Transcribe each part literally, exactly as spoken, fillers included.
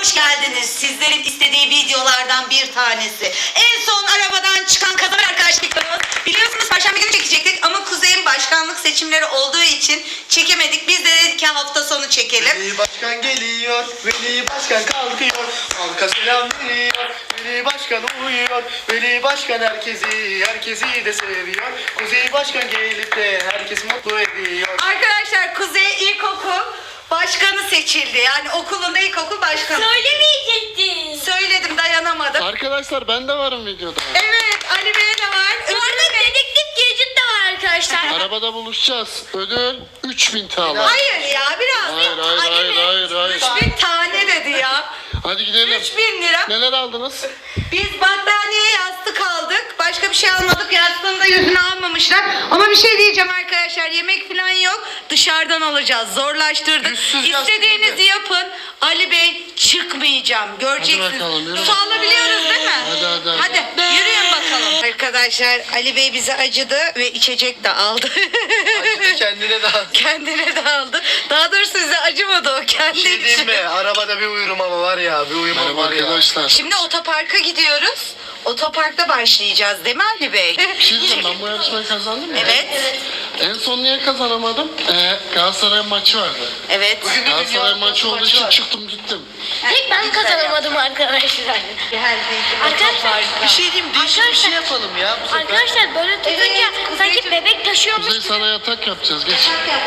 hoş geldiniz. Sizlerin istediği videolardan bir tanesi. En son arabadan çıkan kadın arkadaşlıklarımız. Biliyorsunuz Perşembe günü çekecektik ama Kuzey'in başkanlık seçimleri olduğu için çekemedik. Biz de dedik ki hafta sonu çekelim. Veli Başkan geliyor, Veli Başkan kalkıyor, halka selam veriyor, Veli Başkan uyuyor, Veli Başkan herkesi, herkesi de seviyor, Kuzey Başkan gelip de herkes mutlu ediyor. Arkadaşlar Kuzey İlkokul başkanı seçildi. Yani okulunda ilkokul başkanı. Söylemeyecektin. Söyledim, dayanamadım. Arkadaşlar ben de varım videoda. Evet, Ali Bey de var. Bu arada dedektif Gadget de var arkadaşlar. Arabada buluşacağız. Ödül üç bin T L. Hayır ya, biraz. Hayır hayır Ali hayır Bey, hayır hayır. Bir tane dedi ya. Hadi gidelim. üç bin lira. Neler aldınız? Biz battaniye, yastık aldık. Başka bir şey almadık. Yastığını da yüzüne almamışlar. Ama bir şey diyeceğim arkadaşlar. Yemek falan yok. Dışarıdan alacağız. Zorlaştırdık. Yüzsüz yastık İstediğinizi dedi. yapın. Ali Bey, çıkmayacağım. Göreceksiniz. bakalım, yürü. Su alabiliyoruz değil mi? Hadi, hadi, hadi. Hadi yürüyün bakalım. Arkadaşlar Ali Bey bize acıdı ve içecek de aldı. Acıdı kendine de. Kendine de aldı. Daha doğrusu size acımadı o kendi Bir şey diyeyim için. mi? Arabada bir uyurum ama var ya, bir uyumam Merhaba var ya. arkadaşlar. Şimdi otoparka gidiyoruz. Otoparkta başlayacağız değil mi Ali Bey? Bir şey diyeceğim, ben bu yarışmayı kazandım ya. Evet. En son niye kazanamadım? Ee, Galatasaray maçı vardı. Evet. Galatasaray maçı olduğu için çıktım gittim. Tek ben kazanamadım arkadaşlar. Arkadaşlar Bir şey diyeyim, değişik bir şey yapalım ya bu sefer. Arkadaşlar böyle tutunca Evet, sanki Kuzeyciğim. bebek taşıyormuş. Kuzey sana yatak yapacağız geç.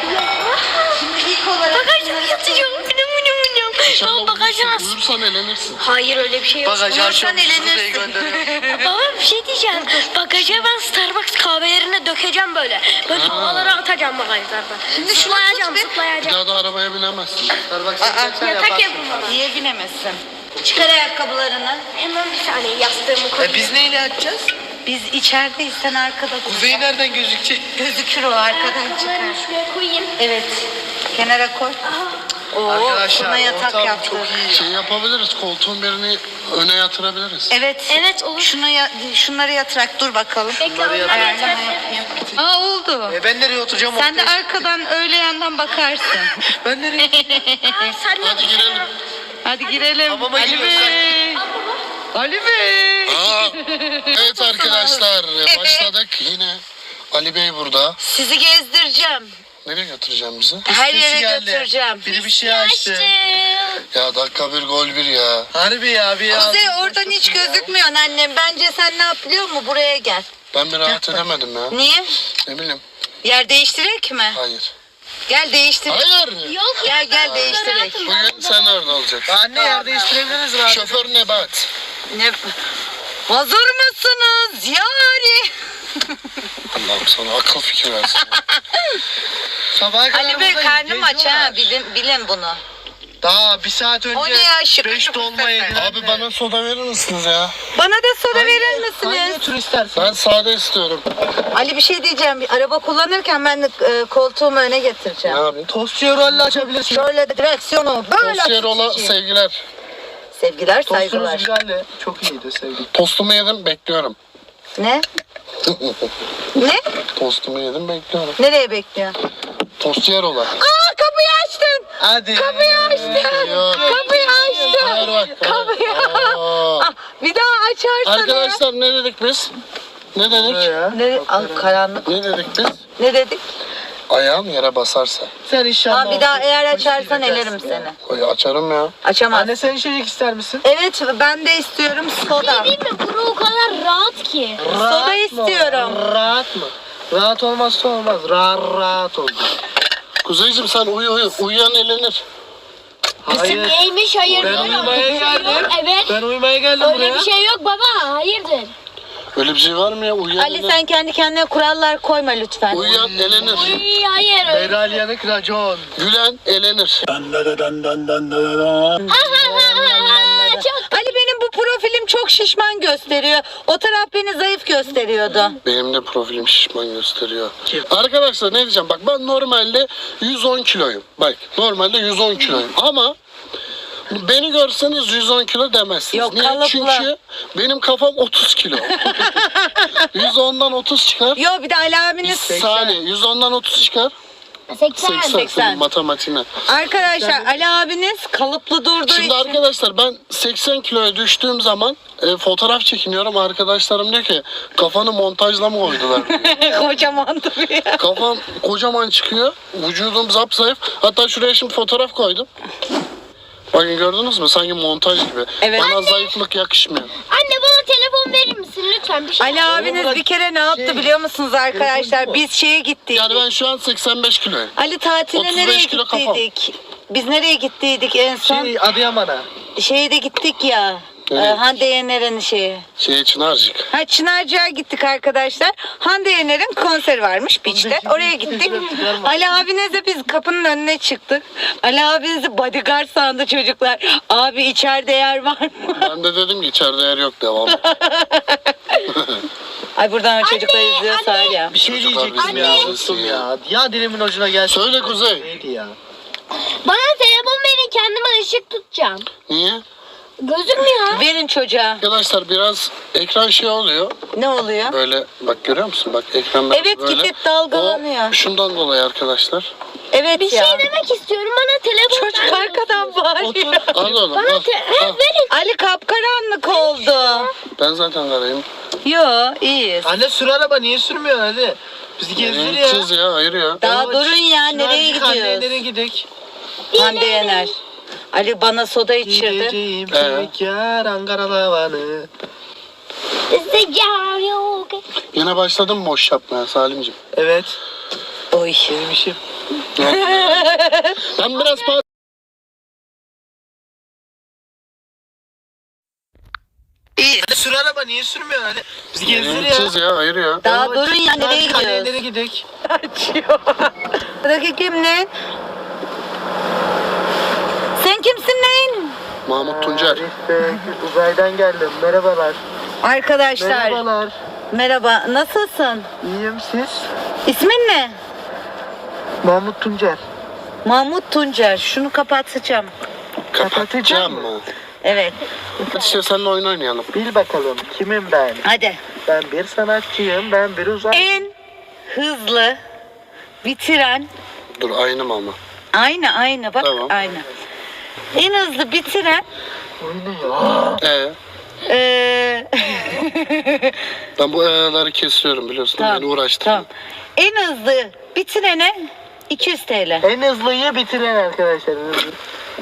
Şimdi ilk olarak Bagajda yatacağım. Minum minum minum. İnşallah Tamam bagajda uyursun, nasıl? uyursan elenirsin. Hayır öyle bir şey yok. Bagajı Uyursan açıyorum, Kuzey'i elenirsin. gönderiyorum. Baba bir şey diyeceğim. Bagaja ben Starbucks kahvelerine dökeceğim böyle. Böyle Ha. havalara atacağım bagajlardan. Şimdi şunu zıplayacağım tut bir. Bir zıplayacağım. daha da arabaya binemezsin. Starbucks'a gideceksen Yatak yaparsın. yapın bana. niye binemezsin? Çıkar ayakkabılarını. Hemen bir saniye yastığımı koyayım. E biz neyle yatacağız? Biz içerideyiz, sen arkada dur. Kuzey nereden gözükecek? Gözükür o, arkadan çıkar. Ayakkabılarımı şuraya koyayım. Evet. Kenara koy. Oo, Arkadaşlar buna yatak ortam yaptık. çok iyi. Şey yapabiliriz, koltuğun birini öne yatırabiliriz. Evet. Evet olur. Şunu ya, şunları yatırak dur bakalım. Bekle Bunları onları Ayarlama yeter. yapayım. Aa oldu. E ben nereye oturacağım? Sen de ortaya? arkadan öyle yandan bakarsın. Ben nereye? Aa, sen Hadi girelim. Hadi girelim. Hamama Ali giriyoruz, Bey. Ali Bey. Aa, evet arkadaşlar başladık yine. Ali Bey burada. Sizi gezdireceğim. Nereye götüreceğim bizi? Her Sesi yere geldi. götüreceğim. Biri bir şey açtı. Açtım. Ya dakika bir gol bir ya. Harbi ya bir ya. Kuzey oradan hiç gözükmüyorsun annem. Bence sen ne yap biliyor musun? Buraya gel. Ben bir rahat edemedim ya. Niye? Ne bileyim. Yer değiştirek mi? Hayır. Gel değiştir. Hayır. Yok ya. Gel gel ben değiştirek. rahatım ben Bugün burada. sen orada olacaksın. Anne yer değiştirebiliriz rahat. Şoför Nebat. Ne? Hazır mısınız? Yani. Allah'ım sana akıl fikir versin. Sabaha kadar Ali Bey buradayız, karnım aç ha. geziyorlar. Bilin, bilin bunu. Daha bir saat önce O ne ya, şıkır beş şıkır dolma sefer. yediler. Abi bana soda verir misiniz ya? Bana da soda verir Hangi misiniz? tür istersin? Ben sade istiyorum. Ali bir şey diyeceğim. Bir araba kullanırken ben de e, koltuğumu öne Ne getireceğim. yapayım? Tostçuya rolle açabilirsin. Şöyle de direksiyonu böyle Tostiyerola açayım. sevgiler. Sevgiler, Tostumuz saygılar. güzeldi. Çok iyiydi sevgi. Tostumu yedim bekliyorum. Ne? Ne? Tostumu yedim bekliyorum. Nereye bekliyor? Tostiyerola. Aa kapıyı açtın. Hadi. Kapıyı açtın. Yok. Kapıyı açtın. Hayır bak. Kapıyı. Aa. Ah, bir daha açarsan. Arkadaşlar ne dedik biz? Ne dedik? Ya. Ne? Al, karanlık. Ne dedik biz? Ne dedik? Ayağım yere basarsa. Sen inşallah. Aa, bir daha olsun. eğer Polis açarsan gideceğiz. elerim seni. Oy, açarım ya. Açamaz. Anne sen içecek ister misin? Evet ben de istiyorum soda. Değil mi? Bura o kadar rahat ki. Soda mı? istiyorum. Rahat mı? Rahat olmazsa olmaz. Rahat rahat ol. Kuzeyciğim sen uyu uyu. Uyuyan elenir. Hayır. Neymiş hayır. Ben yok. uyumaya Öyle bir şey geldim. yok. Evet. Ben uyumaya geldim Öyle buraya. bir şey yok baba. Hayırdır? Öyle bir şey var mı ya? Uyuyan Ali elenir. sen kendi kendine kurallar koyma lütfen. Uyuyan elenir. Uy, hayır. öyle. Meral Yanık racon. Gülen elenir. Ha ha ha ha. Çok Ali benim bu profilim çok şişman gösteriyor. O taraf beni zayıf gösteriyordu. Benim de profilim şişman gösteriyor. Arkadaşlar ne diyeceğim? Bak ben normalde yüz on kiloyum. Bak normalde yüz on kiloyum. Ama beni görseniz yüz on kilo demezsiniz. Yok, Niye? kalıplı. Çünkü benim kafam otuz kilo. yüz ondan otuz çıkar. Yo bir de Ali abiniz Saniye yüz ondan otuz çıkar. seksen. seksen. seksen. Senin matematiğine. Arkadaşlar Ali abiniz kalıplı durduğu Şimdi için. arkadaşlar ben seksen kiloya düştüğüm zaman e, fotoğraf çekiniyorum. Arkadaşlarım diyor ki kafanı montajla mı koydular? Kocaman duruyor. Kafam kocaman çıkıyor. Vücudum zapzayıf. Hatta şuraya şimdi fotoğraf koydum. Bakın gördünüz mü? Sanki montaj gibi. Evet. Bana zayıflık yakışmıyor. Anne bana telefon verir misin lütfen? Bir şey Ali abiniz bir kere ne yaptı biliyor musunuz arkadaşlar? Biz şeye gittik. Yani ben şu an seksen beş kiloyum. Ali tatile otuz beş nereye kilo kafam. gittiydik? Biz nereye gittiydik en son? Şey Adıyaman'a. Şeye de gittik ya. Evet. e, Hande Yener'in şeyi. Şey Çınarcık. Ha Çınarcık'a gittik arkadaşlar. Hande Yener'in konseri varmış Beach'te. Oraya gittik. Ali abinizle biz kapının önüne çıktık. Ali abinizi bodyguard sandı çocuklar. Abi içeride yer var mı? Ben de dedim ki içeride yer yok, devam et. Ay buradan çocuklar izliyorsa anne. ya. Bir şey Çocuklar diyecektim bizi ya. izlesin Unuttum ya. ya. Ya dilimin ucuna gelsin. Söyle Kuzey. Neydi ya? Bana telefon verin, kendime ışık tutacağım. Niye? Gözükmüyor. Verin çocuğa. Arkadaşlar biraz ekran şey oluyor. Ne oluyor? Böyle bak görüyor musun? Bak ekran biraz Evet, böyle. gidip dalgalanıyor. O şundan dolayı arkadaşlar. Evet Bir ya. şey demek istiyorum, bana telefon Çocuk ver. arkadan bağırıyor. Al oğlum Bana al. te- al. ha, verin. Ali kapkaranlık oldu. Ben zaten karayım. Yo iyiyiz. Anne sür araba niye sürmüyorsun hadi? Bizi gezdir ya. Kız ya hayır ya. Daha Ama durun ya, Çınarcık nereye anneye gidiyoruz? nereye gidik? Hande Yener. Ali bana soda içirdi. Gideceğim Ee? tek yer Ankara lavanı. Sıcak yok. Yine başladım boş yapmaya Salimciğim. Evet. Oy. Benim işim. Ben biraz pa- İyi. Anne sür araba niye sürmüyorsun hadi? Bizi gezdir ya. Kız ya hayır ya. Daha Ama durun ya, nereye Çınarcık anneye gidiyoruz? nereye gidik? Açıyor. Buradaki kim ne? Sen kimsin neyin? Mahmut Tuncer. İşte uzaydan geldim. Merhabalar. Arkadaşlar Merhabalar. merhaba, nasılsın? İyiyim siz? İsmin ne? Mahmut Tuncer. Mahmut Tuncer. Şunu kapatacağım. Kapatacağım mı? Evet. Hadi işte seninle oyun oynayalım. Bil bakalım kimim ben? Hadi. Ben bir sanatçıyım. Ben bir uzay. En hızlı bitiren Dur aynı mı ama? aynı aynı bak Tamam. aynı. En hızlı bitiren Oynuyor. Ee, eee ben bu e'leri kesiyorum biliyorsun. Beni uğraştırma. Tamam. En hızlı bitirene iki yüz T L. En hızlıyı bitiren arkadaşlar. en hızlı.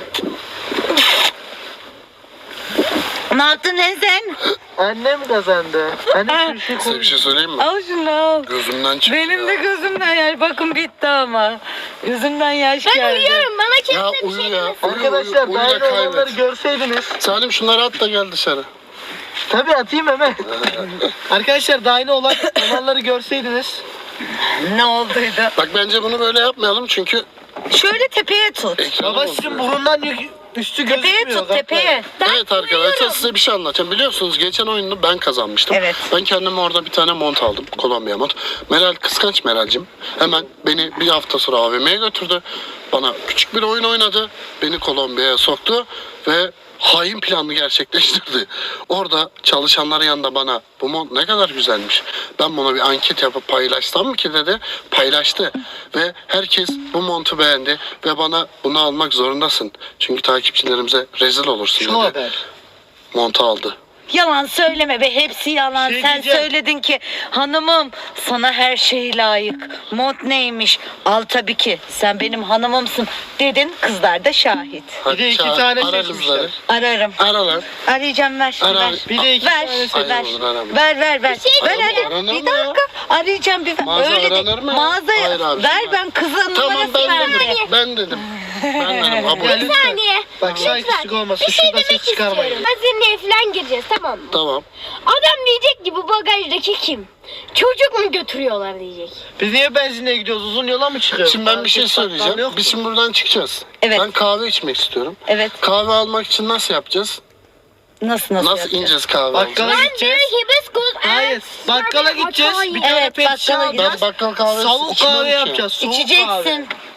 Ne yaptın lan sen? Annem kazandı. Anne şu işi Size bir şey söyleyeyim mi? Al şunu al. Gözümden çıktı Benim ya. de gözümden yaş. Bakın bitti ama. Gözümden yaş Ben geldi. uyuyorum, bana Ya kimse bir uyu şey ya. demesin. Uyu, Arkadaşlar uyu, uyu dahil da olanları kaybet. görseydiniz. Salim şunları at da gel dışarı. Tabii atayım hemen. Arkadaşlar dahil olan olanları görseydiniz. Ne olduydu? Bak bence bunu böyle yapmayalım çünkü Şöyle tepeye tut. ekranı Babacığım bozuyor. burundan yük- üstü Tepeye gözükmüyor. tut tepeye. Evet arkadaşlar size bir şey anlatacağım. Biliyorsunuz geçen oyunu ben kazanmıştım. Evet. Ben kendime orada bir tane mont aldım. Kolombiya mont. Meral kıskanç Meral'cim. Hemen beni bir hafta sonra A V M'ye götürdü. Bana küçük bir oyun oynadı. Beni Kolombiya'ya soktu ve hain planını gerçekleştirdi. Orada çalışanların yanında bana bu mont ne kadar güzelmiş. Ben buna bir anket yapıp paylaşsam mı ki dedi. Paylaştı. Ve herkes bu montu beğendi ve bana bunu almak zorundasın. Çünkü takipçilerimize rezil olursun Şu dedi. haber. Montu aldı. Yalan söyleme be, hepsi yalan. Şey Sen diyeceğim. söyledin ki hanımım sana her şey layık. Mont neymiş? Al tabii ki. Sen benim hanımımsın dedin. Kızlar da şahit. Hadi de iki çağır, tane ara seçmişler. kızları. Ararım. Ara lan. Arayacağım, ver. Ara. ver. Bir de iki ver. tane Hayır ver. olur, arama. ver ver ver. şey ver Arama, hadi. aranır Bir mı ya? dakika. Arayacağım bir. Mağaza Öyle aranır değil. mı ya? Mağazaya Hayır abi, ver, şimdi- ben kızın Tamam numarası ben verdim. dedim. Ben dedim. Ben dedim. Kabul. Ya Bir lütfen. saniye. Bak saygısızlık olmasın. Bir şey Şurada demek ses çıkarmayın. istiyorum. Benzinliğe falan gireceğiz, tamam mı? Tamam. Adam diyecek ki bu bagajdaki kim? Çocuk mu götürüyorlar diyecek. Biz niye benzinliğe gidiyoruz? Uzun yola mı çıkıyoruz? Şimdi ben bir şey Market bakkal söyleyeceğim. yok Biz mu? şimdi buradan çıkacağız. Evet. Ben kahve içmek istiyorum. Evet. Kahve almak için nasıl yapacağız? Nasıl nasıl? Nasıl yapacağız? ineceğiz kahve Bakkala alacağız? gideceğiz. Hibiskus. Hayır. Bakkala gideceğiz. Bir tane Evet, pet şişe bakkala alacağız. Ben bakkal kahvesi Soğuk içmem kahve ki. yapacağız. Soğuk kahve. İçeceksin.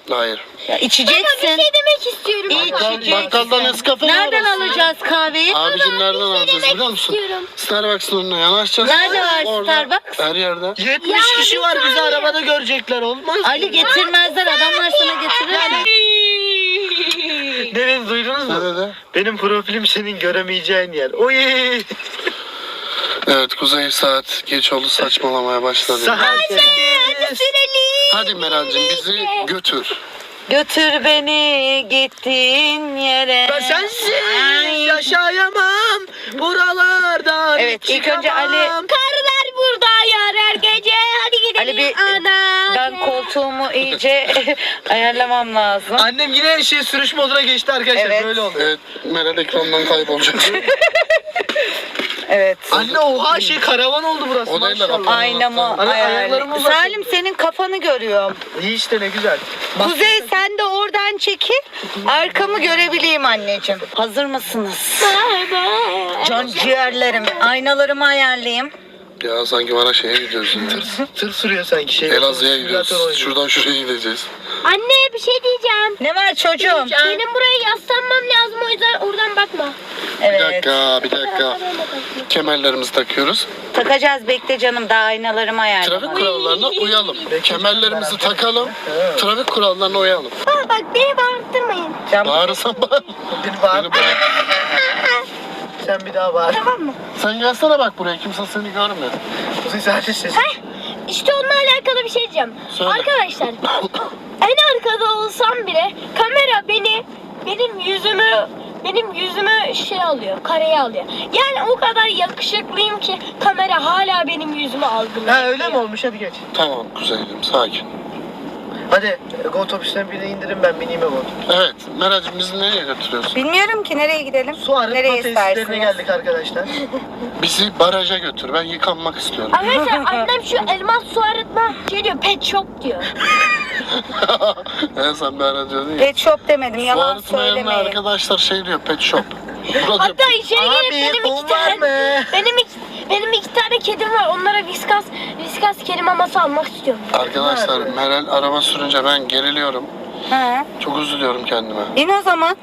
Hayır. Ya içeceksin. Bir şey demek istiyorum. Bakkal, bakkaldan Nescafe Nereden arası. alacağız kahveyi? Abicim nereden şey alacağız demek biliyor musun? istiyorum. Starbucks'ın önüne yanaşacağız. Nerede var Orada, Starbucks? Her yerde. yetmiş kişi var, bizi arabada görecekler, olmaz mı? Ali getirmezler, adamlar sana getirirler. Ne dedi, duydunuz mu? Ne dedi? Benim profilim senin göremeyeceğin yer. Oy! Evet Kuzey saat geç oldu, saçmalamaya başladı. Saat Hadi Meral'cim bizi götür. Götür beni gittiğin yere. Ben sensiz yaşayamam buralardan. Evet, ilk önce çıkamam. Ali- Karlar burada yar her gece. Hadi gidelim. Ali bir ana. ben koltuğumu iyice ayarlamam lazım. Annem yine şey sürüş moduna geçti arkadaşlar, Evet. böyle oldu. Evet Meral ekrandan kaybolacak. Evet. Anne oha şey karavan oldu burası, O değil de maşallah. Aynamı Ana, ayaklarımı ayarlayayım. uzatın. Salim senin kafanı görüyorum. İyi işte, ne güzel. Kuzey sen de oradan çekil. Arkamı görebileyim anneciğim. Hazır mısınız? Bye bye. Can ciğerlerim. Aynalarımı ayarlayayım. Ya sanki bana şeye gidiyoruz ya. Tır sürüyor sanki şey. Elazığ'a gidiyoruz. Simülatör oynuyor. Şuradan şuraya gideceğiz. Anne bir şey diyeceğim. Ne var çocuğum? Benim buraya yaslanmam lazım, o yüzden oradan bakma. Bir Evet. dakika, bir dakika. Kemerlerimizi takıyoruz. Takacağız, bekle canım. Daha aynalarımı ayarlamam. Trafik kurallarına uyalım. Kemerlerimizi takalım. Trafik kurallarına uyalım. Aa, bak beni bağırtırmayın. Can- Bağırırsan bağır. Bir bağır. Beni bırak. Sen bir daha bağır. Tamam mı? Sen gelsene bak buraya. Kimse seni görmüyor. Kuzey zaten ses. İşte onunla alakalı bir şey diyeceğim. Söyle. Arkadaşlar en arkada olsam bile kamera beni benim yüzümü benim yüzümü şey alıyor, kareye alıyor. Yani o kadar yakışıklıyım ki kamera hala benim yüzümü algılıyor. Ha öyle mi olmuş, hadi geç. Tamam Kuzey'cim sakin. Hadi go otobüsten birine indirin, ben bineyim eve. Evet Meral'cim bizi nereye götürüyorsun? Bilmiyorum ki nereye gidelim. Su arıtma Nereye tesislerine istersiniz? geldik arkadaşlar. Bizi baraja götür. Ben yıkanmak istiyorum. Arkadaşlar annem şu elmas su arıtma şey diyor, pet shop diyor. Evet sen bir ara diyordun ya. Pet shop demedim, Bu yalan arıtma yerine söylemeyin. arkadaşlar şey diyor pet shop. Burada Hatta içeri girip Abi, benim un iki var tane mı? benim iki, benim iki tane kedim var. Onlara viskas viskas kedi maması almak istiyorum. arkadaşlar Nerede? Meral araba sürünce ben geriliyorum. Ha. Çok üzülüyorum kendime. İn o zaman.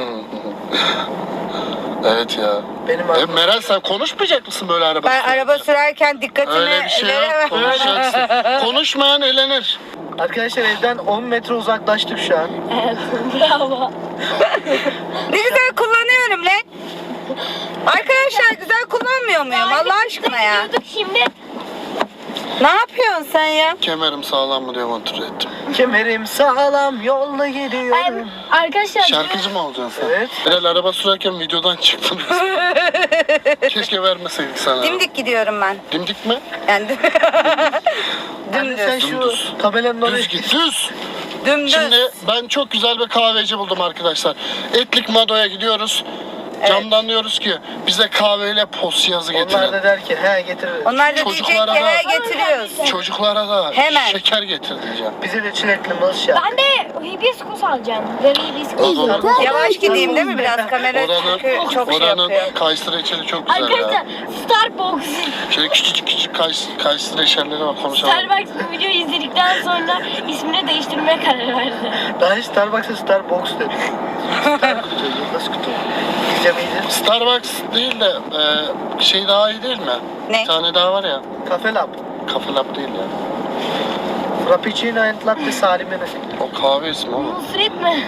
Evet ya. Benim E, arabam. Meral sen konuşmayacak mısın böyle araba Ben sürünce? araba sürerken dikkatimi Öyle bir şey yok. veremem. Konuşacaksın. Konuşmayan elenir. Arkadaşlar evden on metre uzaklaştık şu an. Evet, bravo. Ne güzel kullanıyorum lan. Arkadaşlar güzel kullanmıyor muyum Allah aşkına ya? Gidiyorduk şimdi. Ne yapıyorsun sen ya? Kemerim sağlam mı diye kontrol ettim. Kemerim sağlam, yolda gidiyorum. Ben, arkadaşlar Şarkıcı mı olacaksın sen? Evet. Meral araba sürerken videodan çıktın. Keşke vermeseydik sana. Dimdik gidiyorum ben. Dimdik mi? Yani Anne sen dümdüz. şu Dümdüz. tabelanın oraya Düz git düz. Dümdüz. Şimdi ben çok güzel bir kahveci buldum arkadaşlar. Etlik Mado'ya gidiyoruz. Camdan diyoruz ki bize kahveyle pos yazı Onlar getirin. da der ki he getirir. Onlar da diyecek Çocuklara ki da- "He, getiriyoruz. Çocuklara da Hemen. şeker getir diyeceğim. Bize de çilekli mız şart. ben de hibiskus alacağım. Böyle hibiskus. Oranın, Yavaş gideyim değil mi biraz kamera oranın, çünkü çok şey oranın yapıyor. kayısı reçeli çok güzel Arkadaşlar ya. Starbucks. Şöyle küçücük küçük kayısı, kayısı reçelleri var konuşalım. Starbucks bu videoyu izledikten sonra ismini değiştirmeye karar verdi. Daha hiç Starbucks'a Starbucks dedi. Star kutu, yıldız kutu. Bizce miydi? Starbucks değil de e, şey daha iyi değil mi? Ne? Bir tane daha var ya. Cafe Lab. Cafe Lab değil ya. Frappuccino and Latte Salim'e. O kahve ismi oğlum. Nusret mi?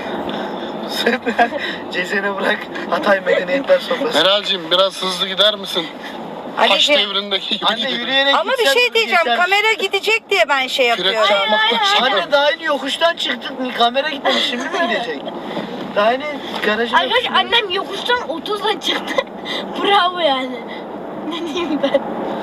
Cezene bırak Hatay Medeniyetler Sofrası. Meral'cim biraz hızlı gider misin? Taş Ali'ciğim devrindeki gibi Anne gidelim. yürüyerek ama bir gitsen şey diyeceğim geçer. kamera gidecek diye ben şey Kürek yapıyorum. çarpmaktan şey Anne yapıyorum. daha yeni yokuştan çıktık. Kamera gitmemiş, şimdi mi gidecek? Daha yeni garajın Arkadaşlar annem yokuştan otuzla çıktı. Bravo yani. Ne diyeyim ben?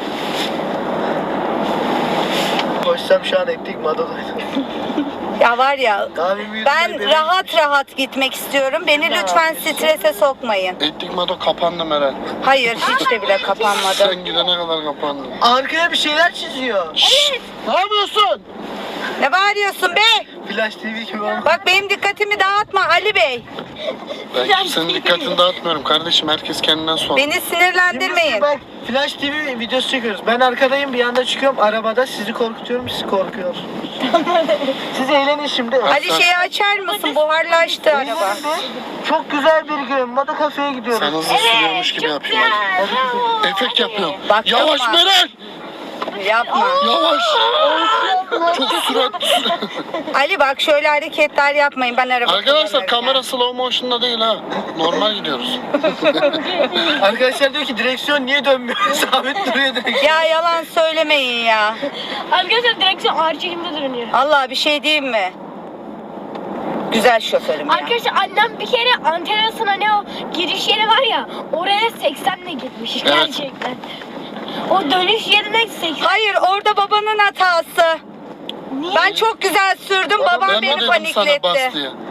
koşsam şu an ettik Mado'daydı. Ya var ya Kahvemi yudum ben bebeğim. rahat rahat gitmek istiyorum. Beni lütfen strese sokmayın. Ettik Mado kapandı Meral. Hayır hiç de bile kapanmadı. Sen gidene kadar kapandı. Arkaya bir şeyler çiziyor. Ne yapıyorsun? Ne bağırıyorsun be? Flash T V gibi olmuş. Bak benim dikkatimi dağıtma Ali Bey. Ben kimsenin dikkatini dağıtmıyorum kardeşim. Herkes kendinden sonra. Beni sinirlendirmeyin. Bak Flash T V videosu çekiyoruz. Ben arkadayım, bir yanda çıkıyorum arabada, sizi korkutuyorum, siz korkuyorsunuz. Siz eğlenin şimdi. Ali şeyi açar mısın? Buharlaştı araba. Çok güzel bir gün. Moda kafeye gidiyoruz. Sen hızlı sürüyormuş gibi yapayım hadi. Bravo. Efekt yapıyorum. Bak, Yavaş yapma. Meral. Yapma. Yavaş. Çok süratli. Ali bak şöyle hareketler yapmayın. Ben araba Arkadaşlar kullanırken. kamera slow motion'da değil ha. Normal gidiyoruz. Arkadaşlar diyor ki direksiyon niye dönmüyor? Sabit duruyor direksiyon. Ya yalan söylemeyin ya. Arkadaşlar direksiyon ağır çekimde dönüyor. Allah bir şey diyeyim mi? Güzel şoförüm ya. Arkadaşlar annem bir kere antenasına ne o giriş yeri var ya oraya seksenle gitmiş Evet. gerçekten. O dönüş yerine seksen. Hayır orada babanın hatası. Niye? Ben çok güzel sürdüm. Babam Ben mi beni dedim sana bas panikletti. diye?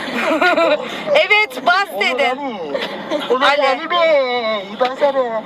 Evet bas dedim. Olur Ali. Ali Bey. Basarım.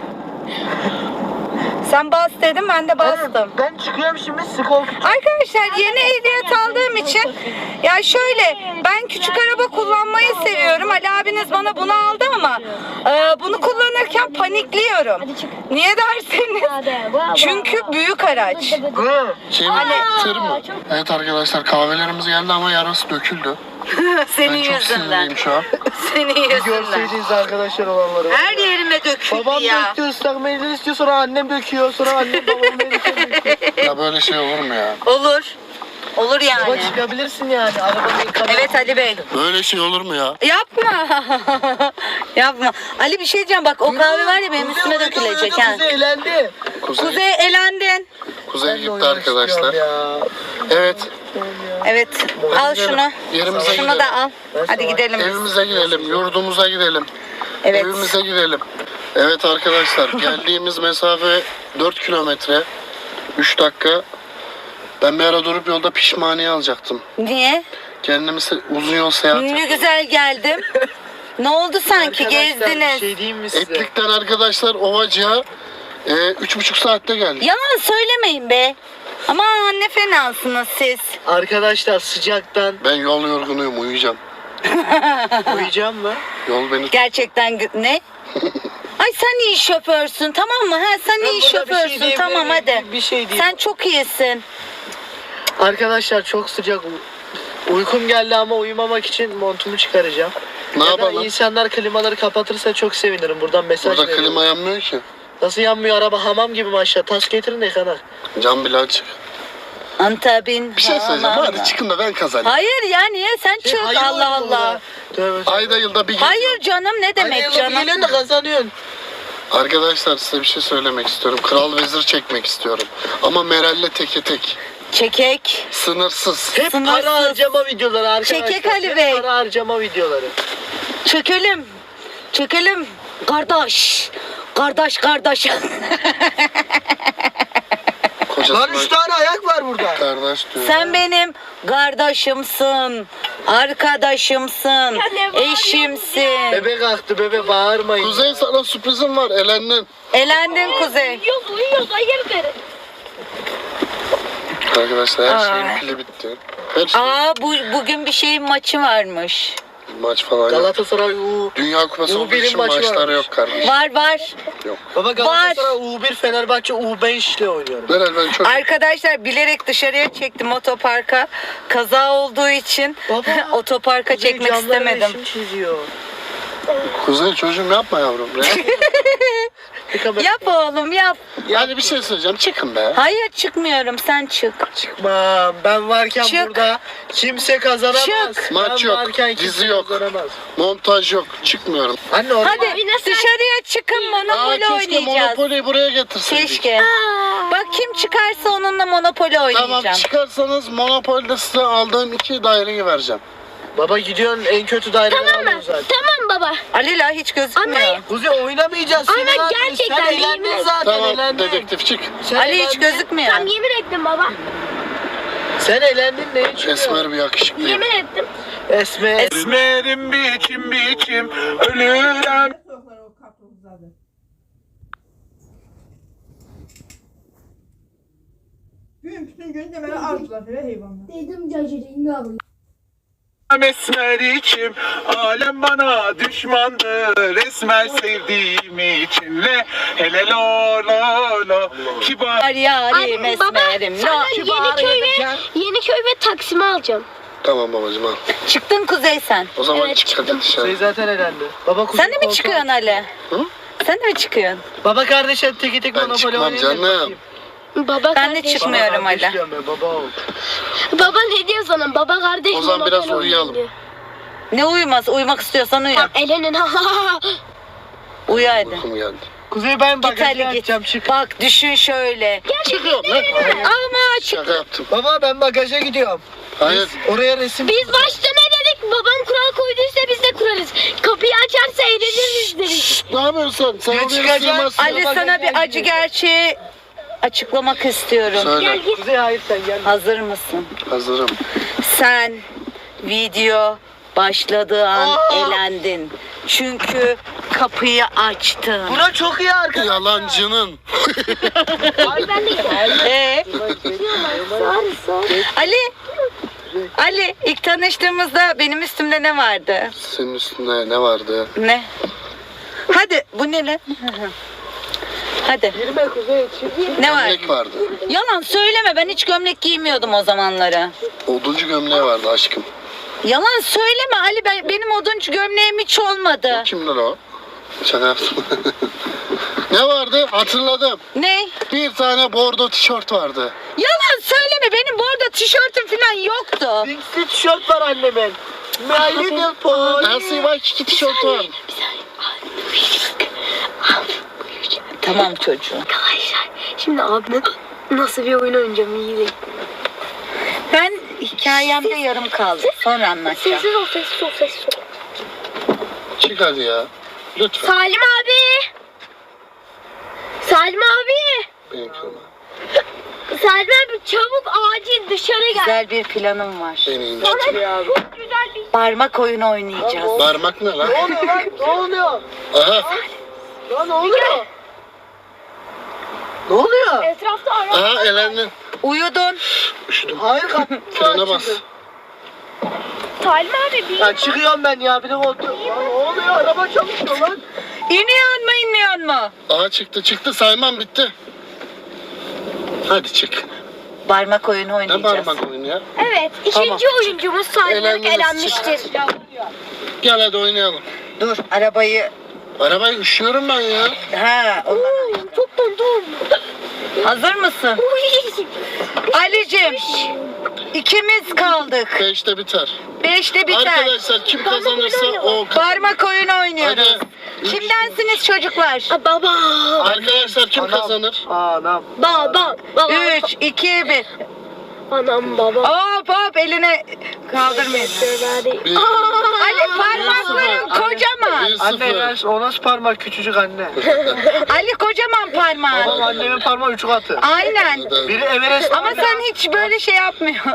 Sen bas dedim ben de bastım. Ben çıkıyorum şimdi, sizi korkutuyorum. Arkadaşlar yeni ehliyet aldığım için ya şöyle ben küçük araba kullanmayı seviyorum. Ali abiniz bana bunu aldı ama e, bunu kullanırken panikliyorum. Hadi çık. Niye derseniz Hadi, bravo. çünkü büyük araç. Hı. Şey mi? Ali- Tır mı? Evet arkadaşlar kahvelerimiz geldi ama yarısı döküldü. Senin Ben çok yüzünden. sinirliyim şu an. Senin yüzünden. Görseydiniz arkadaşlar olanları. Her yerime döküldü Babam ya. döktü, ıslak mendil istiyor, sonra annem döküyor, sonra annem babam verirken döküyor. Ya böyle şey olur mu ya? Olur. Olur Baba yani. çıkabilirsin yani, arabanın yıkamak. Evet Ali Bey. Böyle şey olur mu ya? Yapma. Yapma. Ali bir şey diyeceğim bak o kahve var ya benim üstüme dökülecek ha. Kuzey elendi. Kuzey, Kuzey elendin. Kuzey Ben de gitti oynamak arkadaşlar. istiyorum ya. Evet. Evet. Al şunu. Yerimize Şunu da gidelim. al. Hadi gidelim biz. Evimize gidelim, yurdumuza gidelim. Evet. Evimize gidelim. Evet arkadaşlar geldiğimiz mesafe dört kilometre. üç dakika. Ben bir ara durup yolda pişmaniye alacaktım. Niye? Kendimi se- uzun yol seyahat Ne ettim. güzel geldim. Ne oldu sanki Arkadaşlar, bir gezdiniz? şey diyeyim mi size? Etlikten arkadaşlar Ovacık'a e, üç buçuk saatte geldik. Yalan söylemeyin be. Aman ne fenasınız siz. Arkadaşlar sıcaktan Ben yol yorgunuyum, uyuyacağım. uyuyacağım mı? Yol beni... Gerçekten gü- ne? Ay sen iyi şoförsün tamam mı? Ha sen Ben iyi burada bir şey şoförsün diyebilir tamam miyim? hadi. Bir- bir şey diyeyim. Sen çok iyisin. Arkadaşlar çok sıcak. Uykum geldi ama uyumamak için montumu çıkaracağım. Ne Ya da yapalım? insanlar klimaları kapatırsa çok sevinirim. Buradan mesaj Burada veriyorum. klima yanmıyor ki. Nasıl yanmıyor araba, hamam gibi maşallah. Tas getirin de yıkanak. Cam bile açık. Antabin. Bir şey söyleyeceğim. Hadi çıkın da ben kazanayım. Hayır ya niye sen çık Hayır Allah oğlum Allah. ya. Tövbe tövbe. Ayda yılda bir gün. Hayır canım ne demek Hayır, canım? geliyorsun da kazanıyorsun. Arkadaşlar size bir şey söylemek istiyorum. Kral vezir çekmek istiyorum. Ama Meral'le teke tek. Çekek. Sınırsız. Hep Sınırsız. para harcama videoları arkadaşlar. Çekek Ali Hep Bey. para harcama videoları. Çekelim. Çekelim. Kardeş. Kardeş kardeş. Lan üç Kocasına tane ayak var burada. kardeş diyor. Sen benim kardeşimsin. Arkadaşımsın. ne bağırıyorsun Eşimsin. Bebe kalktı, bebe bağırmayın. Kuzey sana sürprizim var. Elendin. Elendin Kuzey. Uyuyoruz uyuyoruz hayırdır. Arkadaşlar her şeyin Ay. pili bitti. Her şey. Aa bu bugün bir şeyin maçı varmış. Maç falan yok. Galatasaray U. Dünya Kupası U olduğu birin için maçı maçları varmış. yok kardeşim. Var var. Yok. Baba Galatasaray U bir, Fenerbahçe U beş ile oynuyorum. Meral ben çok... Arkadaşlar bilerek dışarıya çektim otoparka. Kaza olduğu için Baba, otoparka Kuzey çekmek camları istemedim. resim çiziyor. Kuzey çocuğum yapma yavrum. Bir kamera- Yap oğlum yap. Yani bir şey söyleyeceğim. Çıkın be. Hayır çıkmıyorum sen çık. Çıkmam. Ben varken Çık. burada kimse kazanamaz. Çık. Ben Maç yok, varken dizi kimse yok. kazanamaz. Montaj yok. Çıkmıyorum. Anne orada Hadi dışarıya çıkın Aa, Monopoly keşke oynayacağız. Monopoly'yi buraya getirseydik. Keşke. Bak kim çıkarsa onunla Monopoly Tamam oynayacağım. çıkarsanız Monopoly'de size aldığım iki daireyi vereceğim. baba gidiyorsun en kötü daireleri Tamam mı? alıyorsun zaten. Tamam baba. Alila hiç gözükmüyor. Anne. Kuzey oynamayacağız. Anne, Sen zaten- gerçekten Sen değil eğlendin mi? zaten Tamam eğlendin. dedektif çık. Sen Ali hiç eğlendin. gözükmüyor. Tamam yemin ettim baba. Sen eğlendin ne için? Esmer bir yakışıklıyım. Yemin ettim. Esmer. Esmerim biçim biçim ölürüm. Gün bütün gün deməli arzular belə heyvanlar. Dedim cacırayım abi. Esmer içim, alem bana düşmandır. Esmer sevdiğim için le hele lo lo lo. Kibar. Yarim Ay, baba, esmerim. sana No. Yeniköy ve, Yeniköy ve Taksim'i alacağım. Tamam babacığım al. Çıktın Kuzey sen. O zaman Evet, çık hadi çıktım. dışarı. Şey zaten elendi. Baba kuzey Sen de mi koltuğa- çıkıyorsun Ali? Hı? Sen de mi çıkıyorsun? Baba kardeşim teki tek Ben monopoli çıkmam oynayın da canım. bakayım. Baba Ben de kardeş. çıkmıyorum. Baba kardeş Ali. diyorum ya, baba ol. Baba ne diyor sana? Baba kardeş. O zaman Monopoly biraz oynuyor uyuyalım. diyor. Ne uyumaz? Uyumak istiyorsan uyu. Tamam, Elinin Uyu hadi. Uykum geldi. Kuzey ben Git bagajı Ali git. açacağım çık. Bak düşün şöyle. Çıkıyorum lan. Ama çık. Şaka yaptım. Baba ben bagaja gidiyorum. Hayır. Oraya resim. Biz başta ne dedik? Babam kural koyduysa biz de kurarız. Kapıyı açarsa eğleniriz dedik. Ne yapıyorsun sen? Sen Ya oraya çıkacağım. sığmazsın. Ali sana bir acı gerçeği açıklamak istiyorum. Söyle. Gel git. Kuzey hayır sen gel. Hazır mısın? Hazırım. Sen video başladığı an elendin. Çünkü kapıyı açtın. Bura çok iyi arkadaş. Yalancının. Ay ben de gel. Ee, Sarı sarı. Ali, Ali ilk tanıştığımızda benim üstümde ne vardı? Senin üstünde ne vardı? Ne? Hadi bu ne lan? Hadi. Girme Kuzey çık. Ne var? Gömlek vardı. Yalan söyleme, ben hiç gömlek giymiyordum o zamanları. Oduncu gömleği vardı aşkım. Yalan söyleme Ali, ben, benim oduncu gömleğim hiç olmadı. Kimdir o? Şaka yaptım. Ne vardı? Hatırladım. Ne? Bir tane bordo tişört vardı. Yalan söyleme, benim burada tişörtüm falan yoktu. Linksli tişört var annemin. My little pony. L C Waikiki tişörtü var. Tamam çocuğum. Arkadaşlar şimdi abime nasıl bir oyun oynayacağım iyi değil. Ben hikayemde yarım kaldı. Sonra anlatacağım. Sessiz ol sessiz ol sessiz ol. Çık hadi ya. Lütfen. Salim abi. Salim abi. Benim kırma. Salim abi çabuk acil dışarı gel. Güzel bir planım var. Beni indir. Çok güzel bir Parmak oyunu oynayacağız. Parmak ne lan? Ne oluyor lan? Ne oluyor? Aha. Lan ne oluyor? Ne oluyor? etrafta ara. Aha elendin. Uyudun. Üşüdüm. Hayır kapı. Frene bas. Salim abi bir Ya çıkıyorum ben ya bir de koltuğum. Lan ne oluyor? Araba çalışıyor lan. İniyor mu inmiyor mu? Aha çıktı çıktı saymam bitti. Hadi çık. Parmak oyunu Ne oynayacağız. parmak oyunu ya? Evet ikinci oyuncumuz Salim abi Elendiniz, elenmiştir. Gel hadi oynayalım. Dur arabayı. Arabayı üşüyorum ben ya. Ha, ondan- Oo, çok dondum. hazır mısın? Uy. Ali'cim ikimiz kaldık. Beşte biter. Beşte biter. Arkadaşlar kim kazanırsa o kazanır. Parmak oyunu oynuyoruz. Hadi. Kimdensiniz çocuklar? Aa, Baba. Arkadaşlar kim Anam. kazanır? Anam. Baba. Baba. Üç, iki, bir. Anam baba. Hop hop eline kaldırmayın. Hadi. Bir, Ali parmakların kocaman. bir Anne sıfır. ver o nasıl parmak küçücük anne. Ali kocaman Babam parmağın. annemin parmağı üç katı. Aynen. Biri Everest. Ama sen hiç böyle şey yapmıyorsun.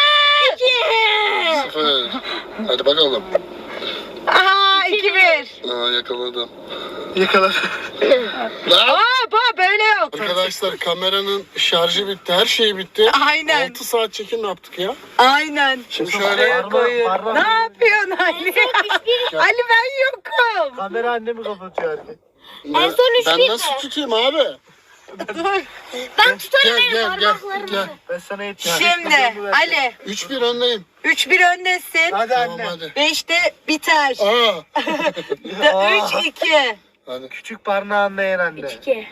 Sıfır. Hadi bakalım. Aha iki bir. Aa yakaladım. Yakaladı. Lan! Hop hop böyle yok. Arkadaşlar kameranın şarjı bitti. Her şey bitti. Aynen. altı saat çekim yaptık ya. Aynen. Şimdi şöyle Parmak, parmak. Ne yapıyorsun Ali? Ali ben yokum. Kamera annemi kapatıyor herkes. En son üç ben bir nasıl mi? tutayım abi? Dur. Ben tutarım Gel benim gel gel. parmaklarımı. gel. Ben sana yetiştim. Şimdi Ali üç bir öndeyim. üç bir öndesin. Hadi Tamam anne. hadi. beşte biter. Aa. üç iki. Hadi. Küçük parmağı anlayan anne. İki.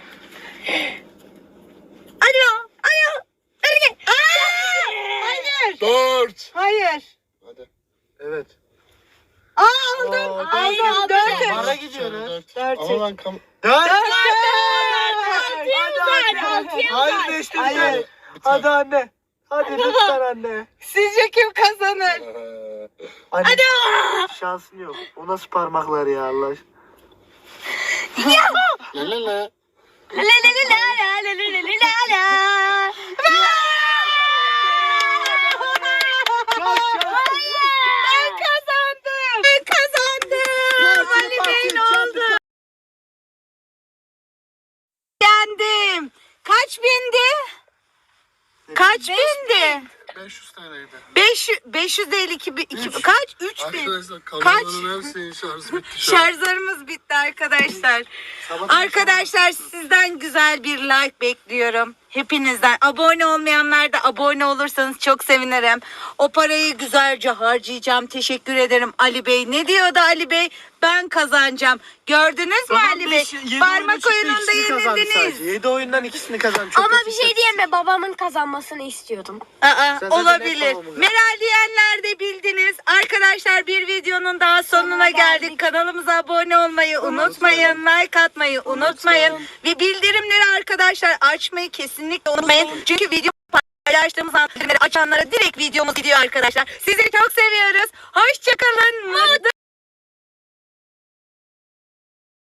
Alo. Alo. Hadi. Aa, hayır. Dört. Hayır. Hadi. Evet. Aa aldım. Oo, Hayır, aldım. abi. Dört. Bana üç. gidiyoruz. Dört. Dört. Ama ben kam... Dört. Dört. Hadi anne. Hayır beşte Hayır. biter. Hadi anne. Hadi lütfen anne. Sizce kim kazanır? Ee, Anne. Şansın yok. O nasıl parmaklar ya Allah aşkına. La la la. La la la la la la la la la. Ben kazandım. Ben kazandım. Ali Bey'in oldu. Yendim. Kaç bindi? Kaç bindi? beş yüz T L'ydi. beş yüz, beş yüz değil iki, iki Üç. kaç? üç bin. Arkadaşlar Kaç? kameraların hepsinin şarjı bitti şu an. Şarjlarımız bitti arkadaşlar. Arkadaşlar sizden güzel bir like bekliyorum. Hepinizden. Abone olmayanlar da abone olursanız çok sevinirim. O parayı güzelce harcayacağım. Teşekkür ederim Ali Bey. Ne diyordu Ali Bey? Ben kazanacağım. Gördünüz mü Ali Bey? Parmak oyununda yenildiniz. yedi oyundan ikisini kazandı. Çok Ama kötü bir şey diyeyim mi? Babamın kazanmasını istiyordum. Aa, zaten olabilir. hep babamı Meral diyenler de bildiniz. Arkadaşlar bir videonun daha sonuna Sonuna geldik. geldik. Kanalımıza abone olmayı unutmayın. Like atmayı unutmayın. Ve bildirimleri arkadaşlar açmayı kesinlikle unutmayın. Çünkü video paylaştığımız an bildirimleri açanlara direkt videomuz gidiyor arkadaşlar. Sizi çok seviyoruz. Hoşçakalın. Mutlu